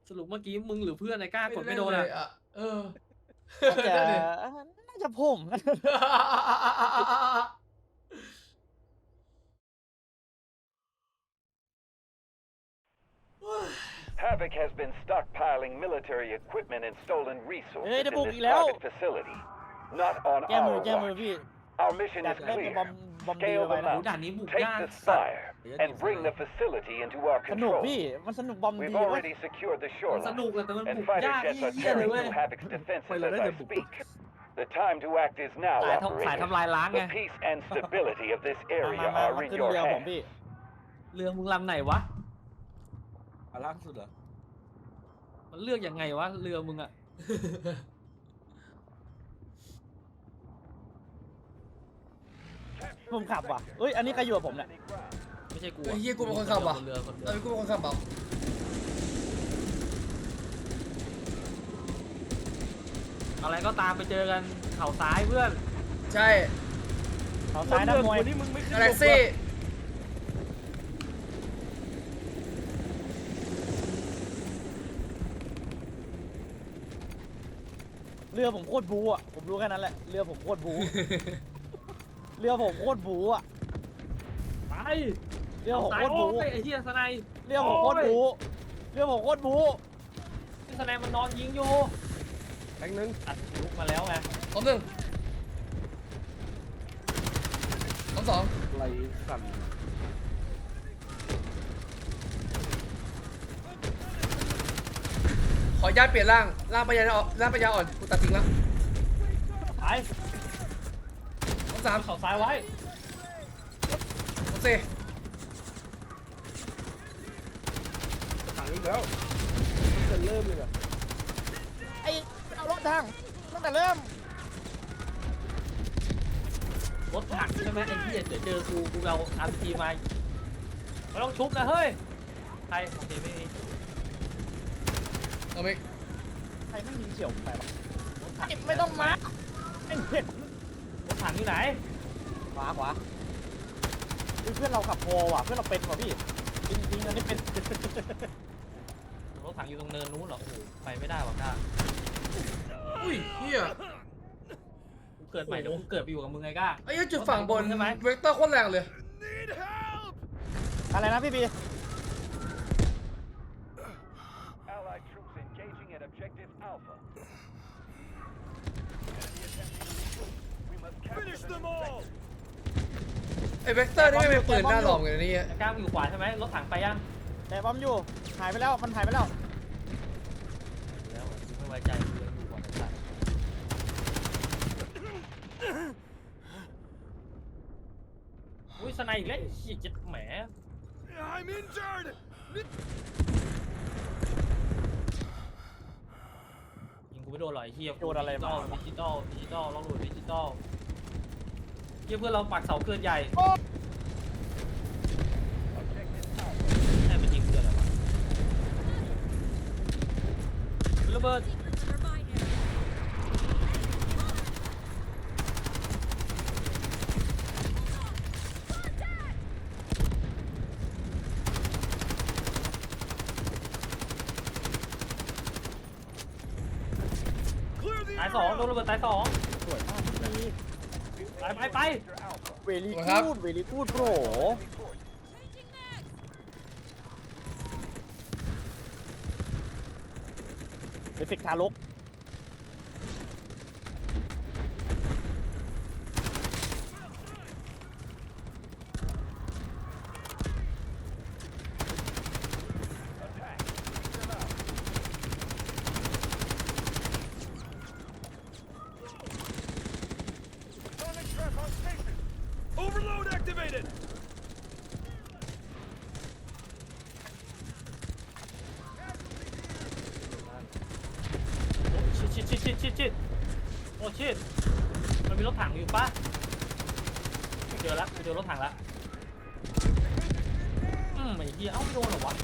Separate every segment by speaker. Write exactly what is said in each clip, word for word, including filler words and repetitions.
Speaker 1: สรุปเมื่อกี้มึงหรือเพื่อนไอ้กล้ากดไม่โดนอ่ะ
Speaker 2: เออ
Speaker 3: น่าจะน่าจะผม
Speaker 4: Havoc has been stockpiling military equipment and stolen
Speaker 3: เฮ้ย
Speaker 4: resources
Speaker 3: ได้
Speaker 4: in
Speaker 3: บุก
Speaker 4: this
Speaker 3: อีกแล้ว
Speaker 4: private facility. Not on
Speaker 3: แก้มือ
Speaker 4: our
Speaker 3: แก้มือ
Speaker 4: watch.
Speaker 3: พี่
Speaker 4: Our mission
Speaker 3: ดัก
Speaker 4: is
Speaker 3: แม่งไปบอม
Speaker 4: clear.
Speaker 3: บอมดี
Speaker 4: Scale
Speaker 3: ไป
Speaker 4: the
Speaker 3: นะ
Speaker 1: โอ้ด่านนี้บุก
Speaker 4: mountain,
Speaker 1: ยาก
Speaker 4: take the
Speaker 1: สัตว์
Speaker 4: spire, and bring the facility into our
Speaker 3: สนุก
Speaker 4: control.
Speaker 3: พี่มันสนุกบอมดี
Speaker 4: We've
Speaker 3: เว้ย
Speaker 4: already secured the
Speaker 1: มันสนุก
Speaker 4: shoreline,
Speaker 1: แต่มัน
Speaker 4: and
Speaker 1: บุก
Speaker 4: fighter
Speaker 1: ยาก
Speaker 4: jets are
Speaker 1: เยี่ยเลย
Speaker 4: tearing
Speaker 1: เว้ย
Speaker 4: through Havoc's defenses
Speaker 1: ไปเลย
Speaker 4: as
Speaker 1: ได้
Speaker 4: I
Speaker 1: แต่บุก
Speaker 4: speak. The time to act is now,
Speaker 1: สายทำสาย
Speaker 4: operators.
Speaker 1: ทำลายล้างไง
Speaker 4: The peace and stability of this
Speaker 3: มา
Speaker 4: area
Speaker 3: มามา
Speaker 4: are
Speaker 3: มา
Speaker 4: in
Speaker 3: ขึ้น
Speaker 4: your
Speaker 3: เรือผม
Speaker 4: hands.
Speaker 3: พี่
Speaker 1: เรือมึงลำไหนวะ
Speaker 5: อ่ะล่างสุดเหรอ
Speaker 1: มันเลือกยังไงวะเรือมึงอ่ะ
Speaker 3: ผมขับว่ะเอ้ยอันนี้ใครอยู่กับผมเนี่ย
Speaker 1: ไม่ใช่กู
Speaker 2: ไอ้เฮียกูเป็นคนขับว่ะ
Speaker 1: เรือคนเรือ
Speaker 2: ไอ้กูเป็นคนขับเปล่า
Speaker 1: อะไรก็ตามไปเจอกันเข่าซ้ายเพื่อน
Speaker 2: ใช่
Speaker 3: เขาซ้ายนักมวย
Speaker 5: นี่มึงไม่ขึ้น
Speaker 2: กาแล็กซี่
Speaker 3: เรือผมโคตรบูอ่ะผมรู้แค่นั้นแหละเรือผมโคตรบู เรือผมโคตรบูอ่ะ
Speaker 1: ไป
Speaker 3: เรือผม
Speaker 1: ซ้าย
Speaker 3: โคตรบู
Speaker 1: โอ้ยไอ้เหี้ยสไนด์
Speaker 3: เรือผมโคตรบูเรือผมโคตรบู
Speaker 1: ไอ้สไนด์มันนอนยิงอยู่
Speaker 5: แทงหนึ่ง
Speaker 1: อัดลุกมาแล้วไง
Speaker 2: สองหนึ่งสองสอง
Speaker 5: ไหลสั่น
Speaker 2: ขออนุญาตเปลี่ยนร่างร่างปัญญาอ่อนร่างปัญญาอ่อนกูตัดทิ้งแล้ว
Speaker 1: ไป
Speaker 2: สองสาม
Speaker 1: เข่าซ้ายไว้
Speaker 2: สองสี่
Speaker 5: ถังอีกแล้วจะเริ่มเลยอ่ะ
Speaker 3: ไอ้เอารถทางตั้งแต่เริ่ม
Speaker 1: รถถังใช่ไหมไอ้เหี้ยเดี๋ยวเจอกูกูเอาอาร์พีมาไม่ต้องชุบนะเฮ้ยใครโอเคไม่มี
Speaker 2: เอาไป
Speaker 3: ใครไม่ยิงเฉียวไปวะไม่ต้องมาไอ้เห็ด
Speaker 1: รถถังอยู่ไหน
Speaker 3: ขวาขวาเฮ้ยเพื่อนเราขับโพว่ะเพื่อนเราเป็นว่ะพี่จริงจริงๆอันนี้เป็น
Speaker 1: รถถังอยู่ตรงเนินนู้นเหรอโอ้โหไปไม่ได้หรอกจ้า
Speaker 2: อุ้ยเฮีย
Speaker 1: กูเกิดใหม่เดี๋ยวกูเกิดไปอยู่กับมึงไงก้า
Speaker 2: ไอ้เหี้ยจุดฝั่งบน
Speaker 1: ใช่ไหม
Speaker 2: เวกเตอร์โคตรแรงเลย
Speaker 3: อะไรนะพี่บี
Speaker 4: Allied troops engaging at objective Alpha. We must capture them all.
Speaker 2: ไอ้เวกเตอร์นี่ไม่เป็นปืนหน้าหลอมกันนะนี่
Speaker 1: ไอ้ก้ามึงอยู่ขวาใช่ไหมรถถังไปยัง
Speaker 3: แต่บอมอยู่หายไปแล้วมันหายไปแล้ว
Speaker 1: แล้วกูไม่ไว้ใจกูยังอยู่ก่อนไอ้สัตว์อุ้ยสไนด์อีกแล้วไอ้เหี้ยเจ็ดแหม
Speaker 4: I'm injured.
Speaker 1: ยิงกูไม่โดนหรอกไอ้เหี้ย
Speaker 3: โดนอะไรมา
Speaker 1: ดิจิตอลดิจิตอลล็อกโหลดดิจิตอลเหี้ยเพื่อนเราปักเสาเกินใหญ่แค่เป็นยิงเพื่อนอะไรวะระเบิดตายสองโดนระเบิดตายสอง
Speaker 3: สวยมากพี่บี
Speaker 1: ไปไปไป
Speaker 3: เวลี่กูดเวลี่กูดโปรเอฟเฟกต์ทารก
Speaker 1: ชิดชิดชิดชิดชิดโอ้ชิดมันมีรถถังอยู่ปะเจอละเจอรถถังละอืมไอ้เหี้ยเอ้าไม่โดนเหรอวะ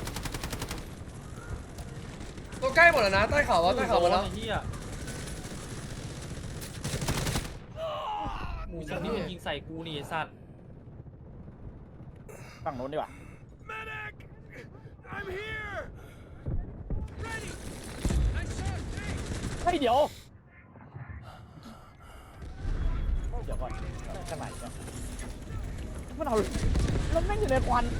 Speaker 2: ตัวใกล้หมดแล้วนะใต้เขาวะใต้เขาหมดแล้ว
Speaker 1: ไอ้เหี้ยมีสิ่งที่มันยิงใส่กูนี่ไอ้สัตว์
Speaker 3: ฝั่งโน้นดีกว่า
Speaker 4: Medic! I'm here.
Speaker 3: เดี๋ยวเดี๋ยวก่อนข้างไหนเนี่ยมันเอาแล้วแม่งอยู่ในควัน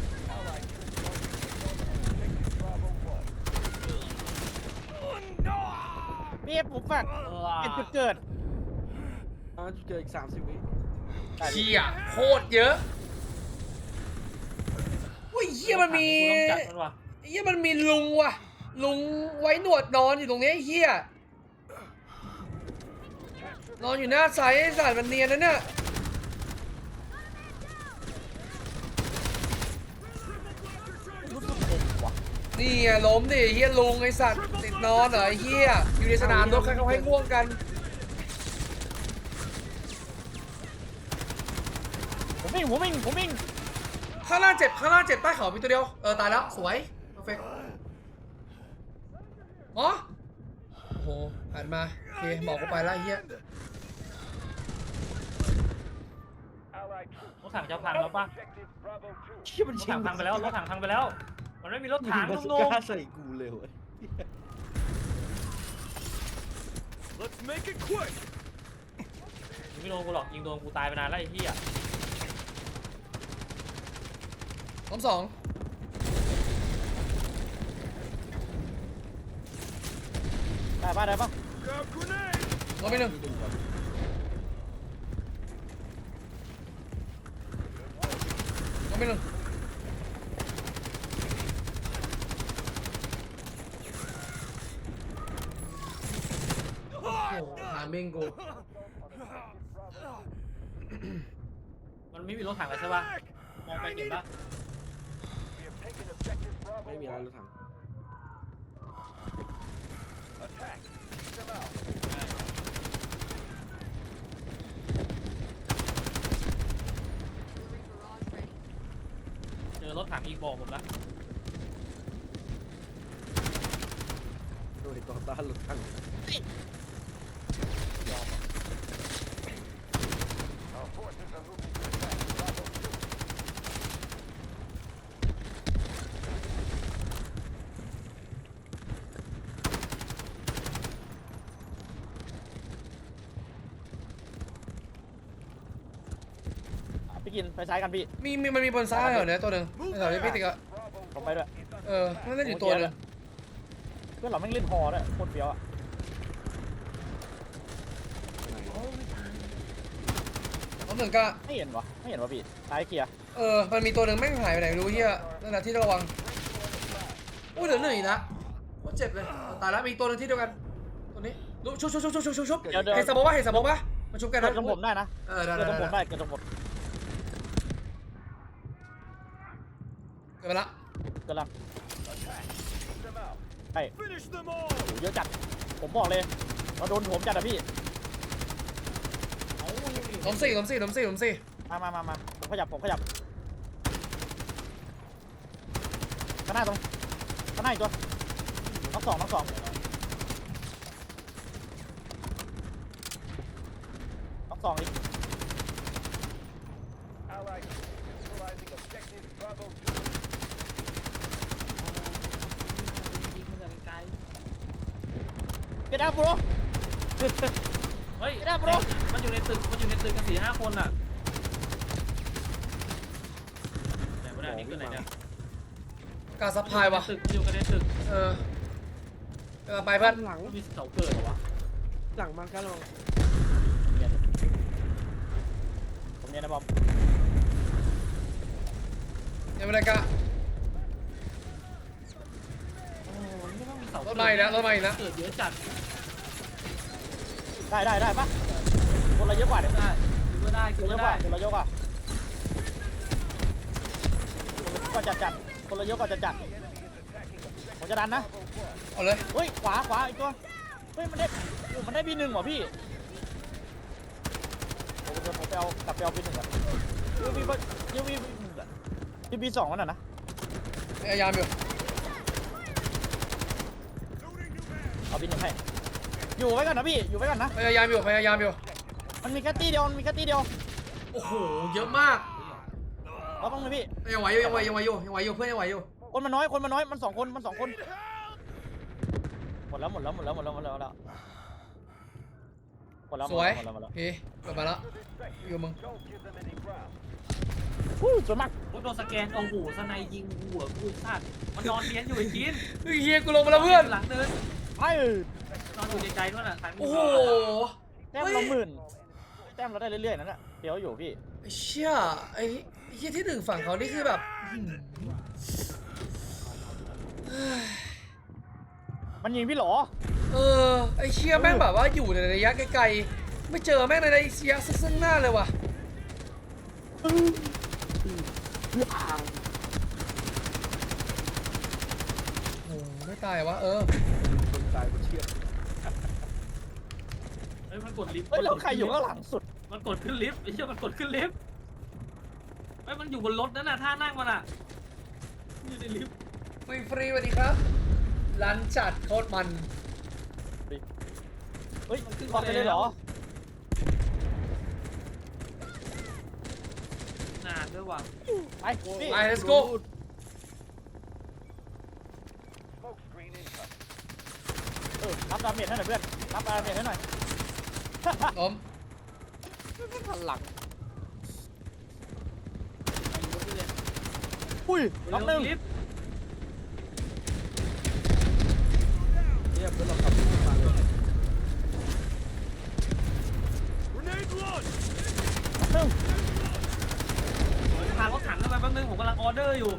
Speaker 3: พี่ผมฝาก
Speaker 1: เออ
Speaker 3: เป็นจุดเกิด
Speaker 5: อ่าจุดเกิดอีกสามสิบวิ
Speaker 2: เฮียโคตรเยอะอุ้ยเฮียมันมี
Speaker 1: กูต้องจัดมันว่ะ
Speaker 2: เฮียมันมีลุงว่ะลุงไว้หนวดนอนอยู่ตรงนี้ไอ้เฮียนอนอยู่หน้าไซส์ไอ้สัตว์มันเนียนนะเนี่ย
Speaker 3: รู้สึกเด็กว่ะ
Speaker 2: นี่ไงล้มดิเฮียลุงไอ้สัตว์ติดนอนเหรอไอ้เฮียอยู่ในสนามรบใครเขาให้ง่วงกัน
Speaker 3: ผมวิ่งผมวิ่งผมวิ่ง
Speaker 2: ข้างล่างเจ็บข้างล่างเจ็บใต้เขามีตัวเดียวเออตายแล้วสวยเพอร์เฟกต์อ๋อโอ้โหหันมาโอเคหมอกกูไปแล้วไอ้เฮีย
Speaker 4: Allied troops
Speaker 1: รถถังจะพังแล้วป่ะ
Speaker 4: objective Bravo two.
Speaker 3: เชี่ยมัน
Speaker 1: รถ
Speaker 3: ชิ
Speaker 1: ถั
Speaker 3: ง
Speaker 1: งพังไปแล้วรถถังพังไปแล้ว มันไม่มีรถถัง
Speaker 5: บา
Speaker 1: ลุ
Speaker 5: สุ
Speaker 1: งง
Speaker 5: ก้าใส่กูเลยเว้ย
Speaker 6: Let's make it quick.
Speaker 1: ไม่โดนกูหรอกยิงโดนกูตายไปนานแล้วไอ้เหี้ย
Speaker 2: ล้มสอง
Speaker 3: ได้ปะได้ปะ
Speaker 6: Grab grenade.
Speaker 2: ล้มไปหนึ่งล้มไปหนึ่งโอ้โหหาเมงกู
Speaker 1: มันไม่มีรถถังแล้วใช่ป่ะมองไปเห็นป่ะ
Speaker 4: We have taken objective Bravo
Speaker 5: ไม่มีอะไร
Speaker 4: one.
Speaker 5: รถถัง
Speaker 4: Attack. Take them out.
Speaker 1: เจอรถถังอีกบอกผมนะ
Speaker 5: โดยต่อต้านรถถัง
Speaker 4: Our forces are moving to attack Bravo two.
Speaker 3: พี่กินไปซ้ายกันพี่
Speaker 2: มีมีมันมีบนซ้ายเหรอเนี่ยตัวหนึ่งแถวนี้พี่ติ๊กอะ
Speaker 4: Bravo
Speaker 3: ผมไปด้วย
Speaker 2: เออนั่นเล่นอยู่ตัวหนึง
Speaker 3: เพื่อนเราแม่งเล่นฮอด้วยโคตรเฟี้ยวอ่ะ
Speaker 2: ล้มหนึ่งก็
Speaker 3: ไม่เห็นวะไม่เห็นวะพี่ซ้ายเคลียร์
Speaker 2: เออมันมีตัวหนึ่งแม่งหายไปไหนไม่รู้เฮียนั่นแหละที่ระวังอู้เหลือหนึ่งอีกนะโคตรเจ็บเลยตายแล้วมีตัวหนึงที่เดียวกันตัวนี้ลุชุบชุบชุบชุบชุบชุบชุบ
Speaker 3: เดี๋ยวเดี๋ยว
Speaker 2: เห็นสมองปะเห็นสมองปะมาชุบกัน
Speaker 3: เกิ
Speaker 2: นะ
Speaker 3: ดตรงผมได้นะ
Speaker 2: เออได้
Speaker 3: เกิ
Speaker 2: ได้
Speaker 3: ดตรงผม
Speaker 2: ได้
Speaker 3: ได้เกิดตรงผม
Speaker 2: เกิดไปละ
Speaker 3: เกิดลัง
Speaker 4: Take them out.
Speaker 3: ใช่
Speaker 6: Finish them all.
Speaker 3: โหเยอะจัดผมบอกเลยเราโดนผมจัดอะพี่
Speaker 2: ล้มสี่ล้มสี่ล้มสี่ล้มสี่
Speaker 3: มามามามาผมขยับผมขยับข้างหน้าตรงข้างหน้าอีกตัวน้องสองน้องสองน้องสองอีก
Speaker 4: Allied troops neutralizing objective Bravo two.
Speaker 1: ยิงมันจากไกล
Speaker 3: เก็ตอัพโบร
Speaker 1: ๆเฮ้ย
Speaker 3: ไม่ได้ bro
Speaker 1: มันอยู่ในตึกมันอยู่ในตึกกันสี่ห้าคนอ่ะไหนวะเนี่ยนี่คือไหนเนี่ย
Speaker 2: กาซัพพลายวะ
Speaker 1: ตึกอยู่กันในตึก
Speaker 2: เออเออไปเพื่อน
Speaker 5: หลัง
Speaker 1: มีเสาเกิดเหรอวะ
Speaker 5: หลังมากันลอง
Speaker 3: เนี่ยผมเนี่ยนะบอม
Speaker 2: ยังไม่ได้กะ
Speaker 1: โอ้ยไม่ต้องมีเสาร
Speaker 2: ถมาอีกแล้วรถมาอีกแล้ว
Speaker 1: เกิดเยอะจัด
Speaker 3: ได้ได้ได้ปะคนละเยอะกว่าเดี๋ยว
Speaker 1: ได้คือว่าได้
Speaker 3: ค
Speaker 1: คือน
Speaker 3: ละ
Speaker 1: ว่า
Speaker 3: เยอะก
Speaker 1: ได้
Speaker 3: ว่าคนละเยอะกว่าคนละเยอะกว่าจัดจัดคนละเยอะกว่าจัดจัดผมจะดันนะ
Speaker 2: เอาเลย
Speaker 3: เฮ้ยขวาขวาอีกตัวเฮ้ยมันได้โอ้มันได้บีหนึ่งเหรอพี่โอ้เดี๋ยวผมไปเอากลับไปเอาบีหนึ่งก่อนยูบียูบีหนึ่งก่อนยูบีสองมันน่ะนะ
Speaker 2: พยายามอยู่
Speaker 3: เอาบีหนึ่งให้อยู่ไว้ก่อนนะพี่อยู่ไว้ก่อนนะ
Speaker 2: พยายามอยู่พยายามอยู่
Speaker 3: มันมีแค่ตีเดียวมันมีแค่ตีเดียว
Speaker 2: โอ้โหเยอะมาก
Speaker 3: เราต้องเลยพี่
Speaker 2: ยังไหวอยู่ยังไหวยังไหวอยู่ยังไหวอยู่เพื่อนยังไหวอยู่
Speaker 3: คนมันน้อยคนมันน้อยมันสองคนมันสองคนหมดแล้วหมดแล้วหมดแล้วหมดแล้วหมดแล้วหมดแล้วหมดแล้วห
Speaker 2: ส
Speaker 3: มด
Speaker 2: วย
Speaker 3: แล้วหมดแล้วหมดแล้ว
Speaker 2: เฮ้ยกลับมาแล้วอยู่มึง
Speaker 4: Don't give them any ground.
Speaker 3: ฮู้สวยมาก
Speaker 1: กูโดนสแกนโอ้โหสไนยิงหัวกูซาดมันนอนเลี้ยนอยู่ไอ้กิน
Speaker 2: เฮ้ยเฮียกูลงมาแล้วเพื่อน
Speaker 1: หลังเดิน
Speaker 3: ไอ้
Speaker 1: นอนอยู่ใจๆด้วยน่ะทัน
Speaker 2: โอ้โห
Speaker 3: แต้มเราหมื่นแต้มเราได้เรื่อยๆนั่นแหละเดี๋ยวอยู่พี่
Speaker 2: ไอ้เชี่ยไอ้ไอ้เฮียที่หนึ่งฝั่งเขานี่คือแบบอื้อหือเฮ้ย
Speaker 3: มันยิงพี่เหรอ
Speaker 2: เออไอ้เชี่ยแม่งแบบว่าอยู่ในระยะไกลๆไม่เจอแม่งในระยะซึ่งหน้าเลยว่ะโอ้โหไม่ตายวะเออ
Speaker 5: คนตายคนเชื่อ
Speaker 1: เฮ้ยมันกดลิฟต์
Speaker 3: เฮ้ยแล้วใครอยู่ข้างหลังสุด
Speaker 1: มันกดขึ้นลิฟต์ไอ้เชี่ยมันกดขึ้นลิฟต์เฮ้ยมันอยู่บนรถนั่นน่ะท่านั่งมันอ่ะอยู่ในลิฟต์
Speaker 2: ฟรีฟรีสวัสดีครับร้านจัดโคตรมัน
Speaker 3: เฮ้ยบอลไปเลยเหรอ
Speaker 1: นานด้วยว่ะ
Speaker 3: ไปพี่
Speaker 2: ไป let's go
Speaker 4: Smoke screen incoming.
Speaker 3: เออรับดาเมจให้หน่อยเพื่อนรับดาเมจให้หน่อย
Speaker 2: ล้ม
Speaker 3: ทันหลังอุ้ยล็อกหนึ่ง
Speaker 1: ลิฟต์
Speaker 5: เนี่ยเพื่อนเราขับรถมาเลย
Speaker 6: Grenade launch.
Speaker 3: ล็อกหนึ่ง
Speaker 1: พารถถังขึ้นไปแป๊บนึงผมกำลังออเดอร์อยู่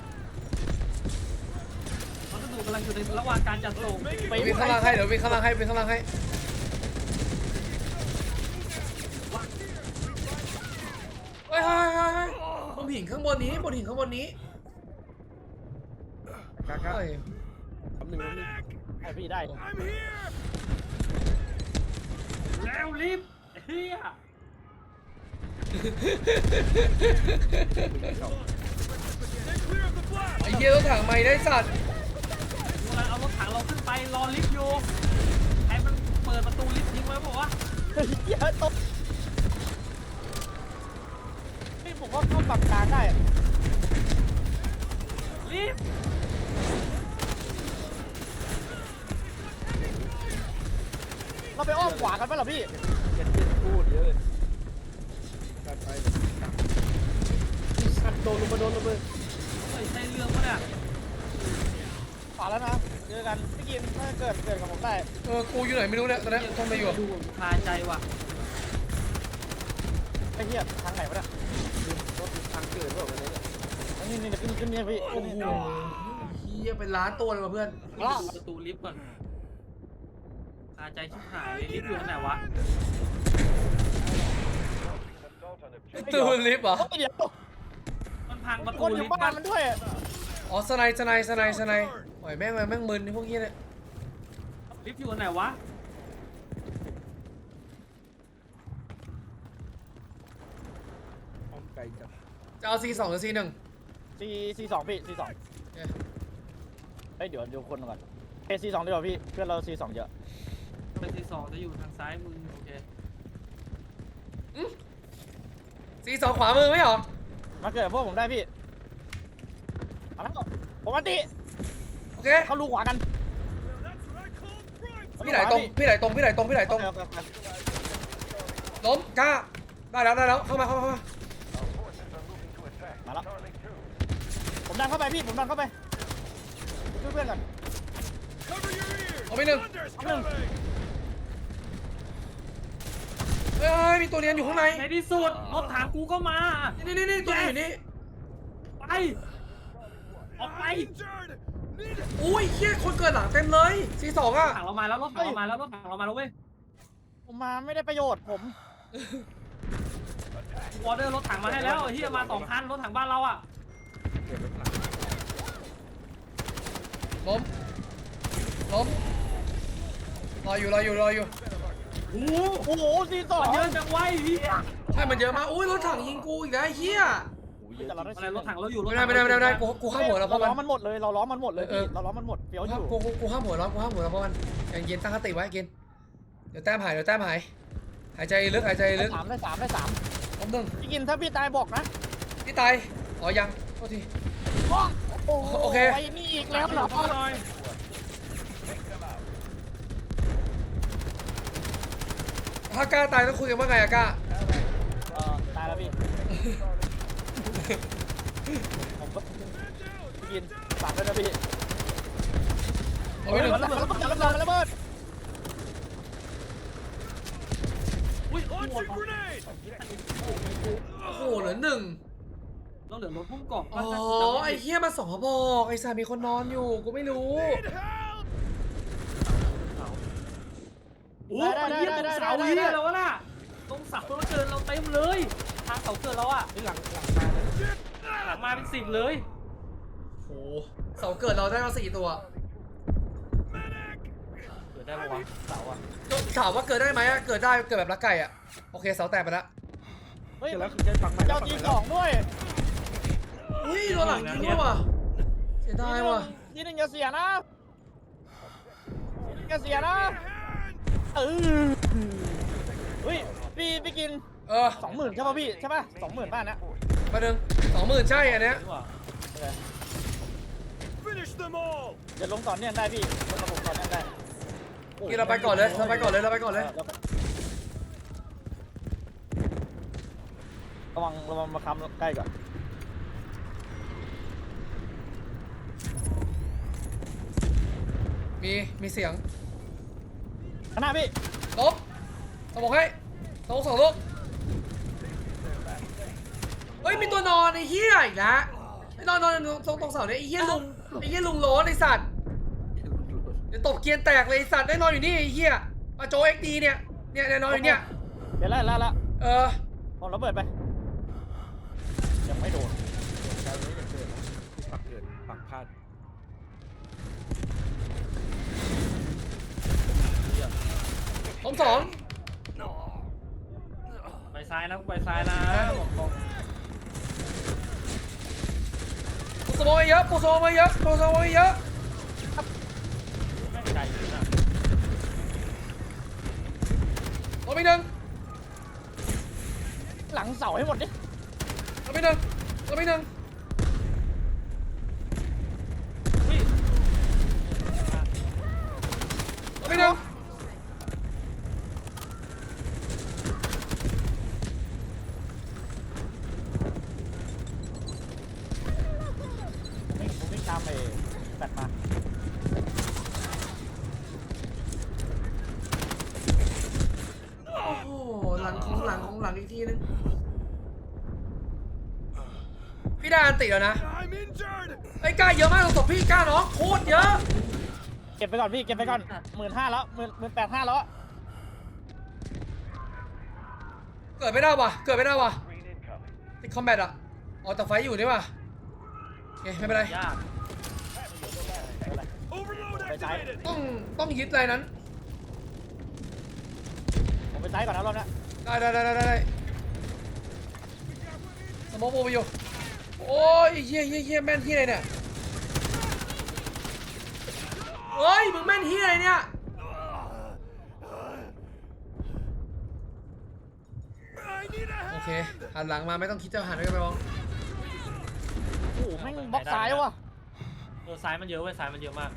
Speaker 1: พัสดุกำลังอยู่ในระหว่างการจัดส่ง
Speaker 6: Make it
Speaker 3: ไป
Speaker 2: วิ่งข้างล่างให้เดี๋ยววิ่งข้างล่างให้วิ่งข้างล่างให้เฮ้ยเฮ้ยเฮ้ยเฮ้ยบนหินข้างบนนี้บนหินข้างบนนี้
Speaker 5: กล้ากล้า
Speaker 2: เฮ้ย
Speaker 5: คำหนึ่งคำหนึ่ง
Speaker 3: ให้พี่ได้
Speaker 6: I'm here.
Speaker 1: แล้วลิฟต์เฮีย
Speaker 6: Stay clear of the blast.
Speaker 2: ไอ้เหี้ยรถถังไม่ได้สัตว์
Speaker 1: กำลังเอารถถังเราขึ้นไปรอลิฟต์อยู่ไอ้มันเปิดประตูลิฟต์ทิ้งไว้บอกว่า
Speaker 3: เฮ้ยเยอะตบนี่ผมว่าเข้าปรับกลางได้อะ
Speaker 1: ลิฟต์
Speaker 3: เราไปอ้อมขวากันไหมล่ะพี่
Speaker 5: เจ็ดเจ็ดพูดเยอะเลยการไปสัตว์โดนลงมาโดนลงมา
Speaker 1: เฮ้ยใช่เรื่องปะเนี่ย
Speaker 3: ขวาแล้วนะเจอกันพี่กินถ้าเกิดเกิดกับผมได้
Speaker 2: เออกูอยู่ไหนไม่รู้เนี่ยตอนนี้ทำอะไรอยู่อะ
Speaker 1: ดูคาใจว่ะ
Speaker 3: ไอ้เหี้ยทางไหนวะเนี่ย
Speaker 5: รถทางเกิดหรือเปล่าเนี่ย
Speaker 3: อันนี้นี่ขึ้นขึ้นเนี่ยพี่
Speaker 2: โอ้
Speaker 3: ขึ้น
Speaker 2: โห
Speaker 3: นี่
Speaker 2: เหี้ยเป็นล้านตัวเลยว่ะเพื่อน
Speaker 3: ละ
Speaker 1: ประตูลิฟต์ก่อนคาใจชิบหายเลยลิฟต์อยู่ตรงไหนวะ
Speaker 4: Assault on objective.
Speaker 2: ตูนลิฟต์เหรอ
Speaker 3: เฮ้ยเดี๋ยว
Speaker 1: มันพังประ
Speaker 3: ค
Speaker 1: ตู
Speaker 3: นอ
Speaker 1: ลิ
Speaker 3: ยู่
Speaker 1: ฟต์
Speaker 3: บ้า
Speaker 1: มัน น
Speaker 3: มันด้วย
Speaker 2: อ๋อสไนด์สไนด์สไนด์สไนด์โอ้ยแม่งแม่งมึนไอ้พวกเหี้ยเนี่ย
Speaker 1: ลิฟต์อยู่ตรงไหนวะ
Speaker 5: อ้อมไกลจับ
Speaker 2: จะเอาซีสองหรือซีหนึ่ง
Speaker 3: ซีซีสองพี่ซีสองเฮ้ยเดี๋ยวดูคนก่อนเอซีสองดีกว่าพี่เพื่อนเราซีสองเยอะ
Speaker 1: เป็นที่สองจะอยู่ทางซ้ายมือโอเค
Speaker 2: ซีสองขวามือไม่เหรอ
Speaker 3: มาเกิดพวกผมได้พี่เอาแล้วผมอันติ
Speaker 2: โอเค
Speaker 3: เขาลูกขวากัน
Speaker 6: That's what I call prime.
Speaker 2: พี่ไหลตรงพี่ไหลตรงพี่ไหลตรงพี่ไหลตรง
Speaker 3: โอเคโอเคโอเค
Speaker 2: ล้มกล้าได้แล้วได้แล้วเข้ามาเข้ามาเข้ามา
Speaker 4: Our forces are moving to attack.
Speaker 3: Voilà.
Speaker 4: Charlie two.
Speaker 3: ผมดันเข้าไปพี่ผมดันเข้าไปช่วยเพื่อนก่อน
Speaker 6: Cover your ears.
Speaker 2: เอาไปหนึ่ง
Speaker 6: Thunder's
Speaker 3: Come on.
Speaker 6: coming.
Speaker 2: เอ้ยมีตัวเรียนอยู่ข้างใน
Speaker 1: ในที่สุดรถถังกูก็มา
Speaker 2: นี่นี่นี่ตัวนี้อยู่นี่
Speaker 1: ไปออกไป
Speaker 6: Injured. Need
Speaker 2: อุ้ยเฮียคนเกิดหลังเต็มเลยซีสองอ่ะ
Speaker 1: ถังเรามาแล้วรถถังเรามาแล้วรถถังเรามาแล้วเว้ย
Speaker 3: ผมมาไม่ได้ประโยชน์ผม
Speaker 1: ออเดอร์รถถังมาให้แล้วไอ้เฮียมาสองคันรถถังบ้านเราอ่ะ
Speaker 5: เก็บไว้ข้างหลัง
Speaker 2: ล้มล้มรออยู่รออยู่รออยู่
Speaker 1: โอ้โห
Speaker 3: โอ้โหซีสอง
Speaker 1: มันเยอะจังไวะไอ้เฮีย
Speaker 2: ใช่มันเยอะมากอุ้ยรถถังยิงกูอีกแล้วไอ้เฮีย
Speaker 3: แต่เราได้
Speaker 1: อะไรรถถังเราอยู่รถ
Speaker 2: ไม่
Speaker 1: ถั
Speaker 2: ได้
Speaker 1: ง
Speaker 2: ไม่ได้ไม่ได้ไม่ได้กูกูข้ามหัวแล้วเพ
Speaker 3: เรา
Speaker 2: ราะ
Speaker 3: ล้
Speaker 2: มั
Speaker 3: อน มันหมดเลยเราล้อมันหมดเลย
Speaker 2: เอ
Speaker 3: พี่
Speaker 2: อ
Speaker 3: เราล้อมันหมดเฟี้ยวอ
Speaker 2: กู
Speaker 3: ยู่
Speaker 2: กูกูข้ามหัวแล้วกูข้ามหัวแล้วเพราะมันอย่างเย็นตั้งสติไว้กินเดี๋ยวแต้มหายเดี๋ยวแต้มหายหายใจลึกหายใจลึ
Speaker 3: ได้
Speaker 2: ก
Speaker 3: สามได้สามได้สาม
Speaker 2: ล้มหนึ่ง
Speaker 3: พี่กินถ้าพี่ตายบอกนะ
Speaker 2: พี่ตายอ๋อยังโทษที
Speaker 3: โอ้
Speaker 2: โอเค
Speaker 3: ไอ้นี่อีกแล้วเหรอ
Speaker 1: หน่อย
Speaker 2: อถ้ากล้าตายต้องคุยกันว่าไงอะกล้า
Speaker 3: เออตายแล้วพี่ ผมก็พี่กินฝากด้วยนะพี่
Speaker 2: เอาไปหนึ่ง
Speaker 3: มันระเบิดมันระเบิดมันระเบิด
Speaker 1: อุ้ยโอ้ย
Speaker 6: Launching grenade!
Speaker 2: โอ้โหเหลือหนึ่ง
Speaker 1: เราเหลือรถพุ่งกรอบ
Speaker 2: อ๋อไอ้เหี้ยมาสองกระบอกไอ้สามีคนนอนอยู่กูไม่รู้
Speaker 6: Need help!
Speaker 1: โอ้ยไอ้เหี้ยตรงเสาเหี้ยแล้ววะน่ะตรงเสาเราเกินเราเต็มเลยทางเสาเกินเราอะ
Speaker 5: หลังหลังมาเลย
Speaker 1: หลังมาเป็นสิบเลย
Speaker 2: โอ้โหเสาเกิดเราได้มาสี่ตัว
Speaker 1: เกิดได้ปะวะเสาอะ
Speaker 2: ถามว่าเกิดได้ไหมอะเกิดได้เกิดแบบลักไก่อะโอเคเสาแตกไปแล้ว
Speaker 3: เฮ้ย
Speaker 5: เดี๋ยวแล้วจะปักใหม่
Speaker 3: เจ้า
Speaker 5: ปัก
Speaker 3: จี
Speaker 5: ใหม่
Speaker 3: ส
Speaker 5: แล้
Speaker 3: อ
Speaker 5: ว
Speaker 3: งด้วย
Speaker 2: อุ้ยตัวหลังจริงด้วยว่ะเสียดายว่ะ
Speaker 3: ทีหนึ่งอย่าเสียนะทีหนึ่งอย่าเสียนะเออเฮ้ยพี่พี่กิน
Speaker 2: เออ
Speaker 3: สองหมื่นใช่ป่ะพี่ใช่ป่ะสองหมื่นบ้านนะ
Speaker 2: มาหนึ่งสองหมื่นใช่อันเนี้ย
Speaker 1: นี่หว่า
Speaker 6: Finish them all!
Speaker 3: เดี๋ยวลงต่อเนื่องได้พี่ลงระบบต่อเนื่องได้
Speaker 2: กินเราไปก่อนเลยเราไปก่อนเลยเราไปก่อนเลย
Speaker 3: ระวังระวังมาคำใกล้ก่อน
Speaker 2: มีมีเสียง
Speaker 3: ข้างหน้าพี่
Speaker 2: ลบสมองให้สองสองลูกเฮ้ยมีตัวนอนไอ้เหี้ยอีกแล้วไอ้นอนนอนตรงตรงเสาเนี่ยไอ้เหี้ยลุงไอ้เหี้ยลุงโล้นไอ้สัตว์เดี๋ยวตบเกียร์แตกเลยไอ้สัตว์ได้นอนอยู่นี่ไอ้เหี้ยมาโจเอ็กดีเนี่ยเนี่ยเนี่ยนอนอยู่เนี่ย
Speaker 3: เดี๋ยวแล้วแล้วแล้ว
Speaker 2: เออ
Speaker 3: ผมระเบิดไปยังไม่โดน
Speaker 5: กลายเป็นอย่างเกิดปักเกิดปักพลาด
Speaker 2: ผมสอง
Speaker 1: ไปซ้ายนะไปซ้ายนะบอกตรง
Speaker 2: ปูสมองมาเยอะปูสมองมาเยอะปูสมองมาเยอะ
Speaker 1: แม่งไกลอยู่นะ
Speaker 2: ลบไปหนึ่ง
Speaker 3: หลังเสาให้หมดดิ
Speaker 2: ลบไปหนึ่งลบไปหนึ่ง
Speaker 1: อุ้ย
Speaker 2: ลบไปหนึ่ง
Speaker 3: ผมไม่ผมไม่ตามไปแบตมา
Speaker 2: โอ้โหหลังของหลังของหลังอีกทีนึงพี่ได้อันติแล้วนะ
Speaker 6: I'm injured!
Speaker 2: ไอ้กล้าเยอะมากตรงศพพี่กล้าน้องโคตรเยอะ
Speaker 3: เก็บไปก่อนพี่เก็บไปก่อนหมื่นห้าแล้วหมื่นหมื่นแปดห้าแล้ว
Speaker 2: เกิดไม่ได้ว่ะเกิดไม่ได้ว่ะ
Speaker 4: Green incoming.
Speaker 2: ติดคอมแบทอ่ะอ๋อแต่ไฟอยู่นี่ว่ะโอเคไม่เป็นไร
Speaker 1: ยาก
Speaker 6: Overload
Speaker 3: Phải trái.
Speaker 6: activated!
Speaker 2: ต้องต้องยึดอะไรนั้น
Speaker 3: ผมไปซ้ายก่อนนะรอบนี้
Speaker 2: ได้ได้ได้ได้ได้สมองโบไปอยู่โอ้ยเฮียเฮียเฮียแม่นเฮียอะไรเนี่ยเฮ้ยมึงแม่นเฮียอะไรเนี่ย
Speaker 6: I need a
Speaker 2: โอ
Speaker 6: hand!
Speaker 2: เคหันหลังมาไม่ต้องคิดจะหันไปกันไปมอง
Speaker 3: โอ้โหแม่งบล็อกซ้ายว่ะ
Speaker 1: เออซ้ายมันเยอะเว้ยซ้ายมันเยอะมาก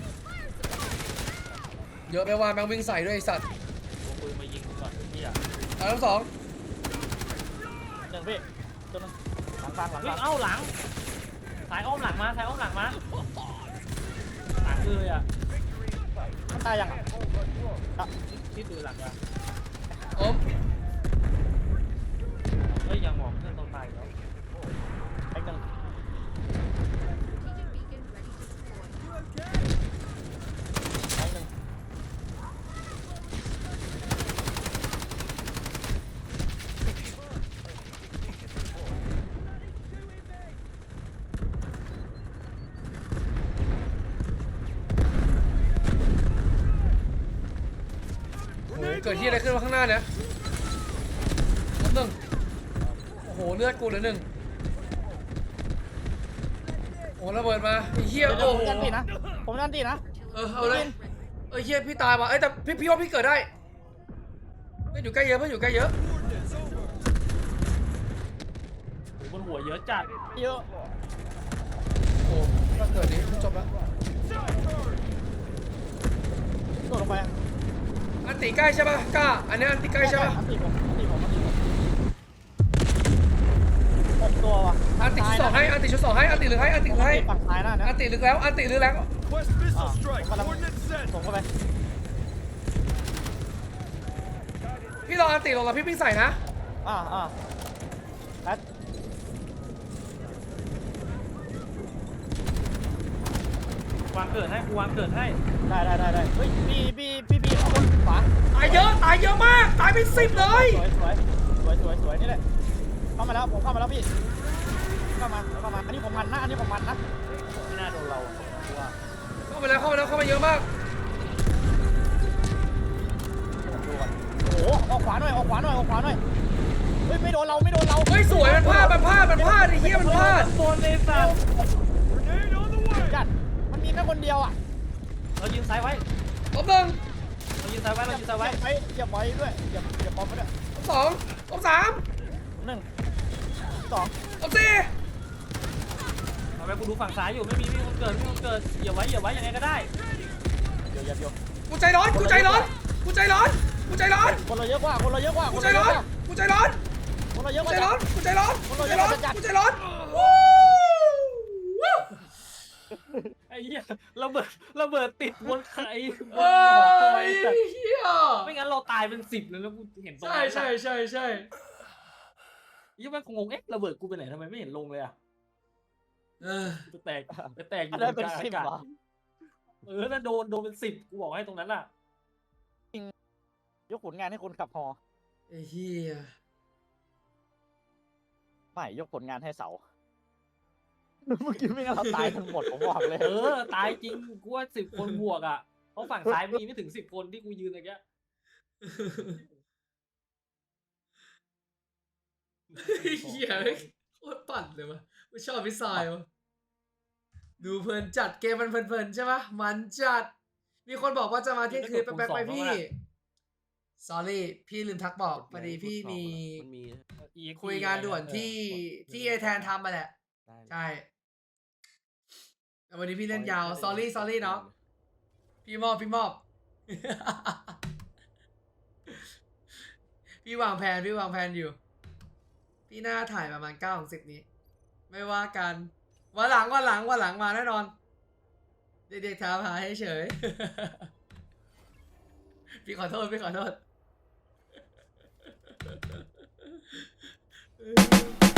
Speaker 2: เยอะไปว่าแม่งวิ่งใส่ด้วยไอ้สัตว์
Speaker 1: กูปืนมายิงกูก่อนพี่อะ
Speaker 2: อันทั้งสอง
Speaker 3: หนึ่งพี่ตัวหนึงหลังกลางหลัง
Speaker 1: เฮ้
Speaker 3: ก
Speaker 1: ย
Speaker 3: ลาง
Speaker 1: เอ้าหลังสายอ้อมหลังมาสายอ้อมหลังมาหลังเลยอะ
Speaker 3: มันตายยังอ่ะอ่ะ
Speaker 1: ที่ดูหลังอะ
Speaker 2: ผม
Speaker 1: เฮ้ยยังหมอกเพื่อนต้องตายแล้ว
Speaker 3: ไอ้หนึ่ง ไอ้หนึ่ง
Speaker 2: โอ้โหเกิดที่อะไรขึ้นวะข้างหน้าเนี่ยล้มหนึ่งโอ้โหเลือดกูเหลือหนึ่งโอ้โหระเบิดมาไอ้เหี้ย
Speaker 3: เดี๋ยว
Speaker 2: โอ้
Speaker 3: ผม
Speaker 2: โห
Speaker 3: ยันตีนะผมยันตีนะ
Speaker 2: เออเอาเลยเออเหี้ยพี่ตายว่ะเอ้ยแต่พี่พี่ว่าพี่เกิดได้เพื่อนอยู่ใกล้เยอะเพื่อนอยู่ใกล้เยอะ
Speaker 1: บนหัวเยอะจัด
Speaker 3: เยอะ
Speaker 2: โอ้ถ้าเกิดนี้จบแล้ว
Speaker 3: โดดลงไปอะ
Speaker 2: ออันติใกล้ใช่ปะกล้าอันนี้อันติใกล้ใช่ปะ
Speaker 3: อันตีผมอันตีผมอันตีผมหกตัวว่ะ
Speaker 2: อันติชุดสองให้อันติชุดสองให้อันติหรือให้อันติหรือให้
Speaker 3: ฝั่งซ้ายน่ะนะ
Speaker 2: อันติหรือแล้วอันติหรือแล้ว
Speaker 6: Quest missile
Speaker 3: Ah,
Speaker 6: strike.
Speaker 3: wala-
Speaker 6: Coordinates sent.
Speaker 3: ส่งเข้าไป
Speaker 2: พี่รออันติลงแล้วพี่วิ่งใส่นะ
Speaker 3: อ่าอ่าแล้ว
Speaker 1: วางเกิดให้กูวางเกิดให้
Speaker 3: ได้ได้ได้ได้เฮ้ยพี่พี่พี่พี่ข้างบนขวา
Speaker 2: ตายเยอะตายเยอะมากตายเป็นสิบเลย
Speaker 3: สวยสวยสวยสวยสวยนี่แหละเข้ามาแล้วผมเข้ามาแล้วพี่เข้ามาเข้ามาอันนี้ผมมันนะอันนี้ผมมันนะ
Speaker 1: ไม่น่าโดนเราอะกูว่า
Speaker 2: เข้ามาแล้วเข้ามาแล้วเข้ามาเยอะมาก
Speaker 3: ผมดูก่อนโอ้โหออกขวาหน่อยออกขวาหน่อยออกขวาหน่อยเฮ้ยไม่โดนเราไม่โดนเรา
Speaker 2: เฮ้ยสวยมันพลาดมันพลาดมันพลาดไอ้เหี้ยมันพลาด
Speaker 1: บนเลยสัตว์
Speaker 6: Grenade on the way.
Speaker 3: จัดมันมีแค่คนเดียวอ่ะ
Speaker 1: เรายืนซ้ายไว้
Speaker 2: ล้มหนึ่ง
Speaker 1: เรายืนซ้ายไว้เรายืนซ้ายไว้
Speaker 3: ไว้อย่าไว้ด้วยอย่าอย่าปอมไว้ด้วย
Speaker 2: ล้มสองล้มสาม
Speaker 3: หนึ่งสอง
Speaker 2: ล้มสี่
Speaker 1: เอาไปกูดูฝั่งซ้ายอยู่ไม่มีไม่มีคนเกิดไม่มีคนเกิดอย่าไว้อย่าไว้ยังไงก็ได้
Speaker 3: เดี๋ยวอย่าเดี๋ยว
Speaker 2: กูใจร้อนกูใจร้อนกูใจร้อนกูใจร้อน
Speaker 3: คนเราเยอะกว่าคนเราเยอะกว่าค
Speaker 2: กู
Speaker 3: น
Speaker 2: ใจ
Speaker 3: เราเย
Speaker 2: ร้
Speaker 3: อะ
Speaker 2: อน
Speaker 3: กว่า
Speaker 2: กูใจร้อน
Speaker 3: คนเราเยอะ
Speaker 2: กู
Speaker 3: กว่า
Speaker 2: ใจร้อนกูใจร้อนกูใจร้อนกูใจร้อนวู้วู้
Speaker 1: ไอ้เหี้ยระเบิดระเบิดติดบนไข่
Speaker 2: เอ้ยเฮีย
Speaker 1: ไม่งั้นเราตายเป็นสิบเลยแล้วกูเห็นตรง
Speaker 2: ใช่
Speaker 1: นั้น
Speaker 2: ใช่ใช่ใช่
Speaker 1: ยี่แม่งงงเอ๊ะระเบิดกูไปไหนทำไมไม่เห็นลงเลยอ่ะ
Speaker 2: เออ
Speaker 1: กูแตกไปแตกอยู่
Speaker 3: อันนั้น
Speaker 1: ก
Speaker 3: เป็น
Speaker 1: ลาง
Speaker 3: สิบ
Speaker 1: อากาศ
Speaker 3: เหรอ
Speaker 1: เออถ้าโดนโดนเป็นสิบกูบอกให้ตรงนั้นล่ะ
Speaker 3: ยกผลงานให้คนขับฮอ
Speaker 2: ไอ้เฮีย
Speaker 3: ไม่ยกผลงานให้เสาเมื่อกี้ไม่งั้นเราตายทั้งหมดผมบอกเลย
Speaker 1: เออตายจริงกูว่าสิบคนบวกอ่ะเพราะฝั่งซ้ายมีไม่ถึงสิบคนที่กูยืนตะเกีย
Speaker 2: เฮียโคตรปั่นเลยวะกูชอบพิซซ่าวะดูเพลินจัดเกมมันเพลินๆใช่ปะมันจัด มีคนบอกว่าจะมาเที่ยงคืนแป๊บๆไปพี่ sorry พี่ลืมทักบอกพอดีพี่มี
Speaker 5: มันมี
Speaker 2: คุยงานด่วนที่ที่เอแทนทำมาแหละ
Speaker 5: ได้
Speaker 2: ใช่แต่วันนี้พี่เล่นยาว sorry sorry เนาะพี่มอบพี่มอบ พี่วางแผนพี่วางแผนอยู่ พี่น่าถ่ายประมาณเก้าถึงสิบนี้ ไม่ว่ากันวันหลังวันหลังวันหลังมาแน่นอน เด็กๆถามหาให้เฉย พี่ขอโทษพี่ขอโทษ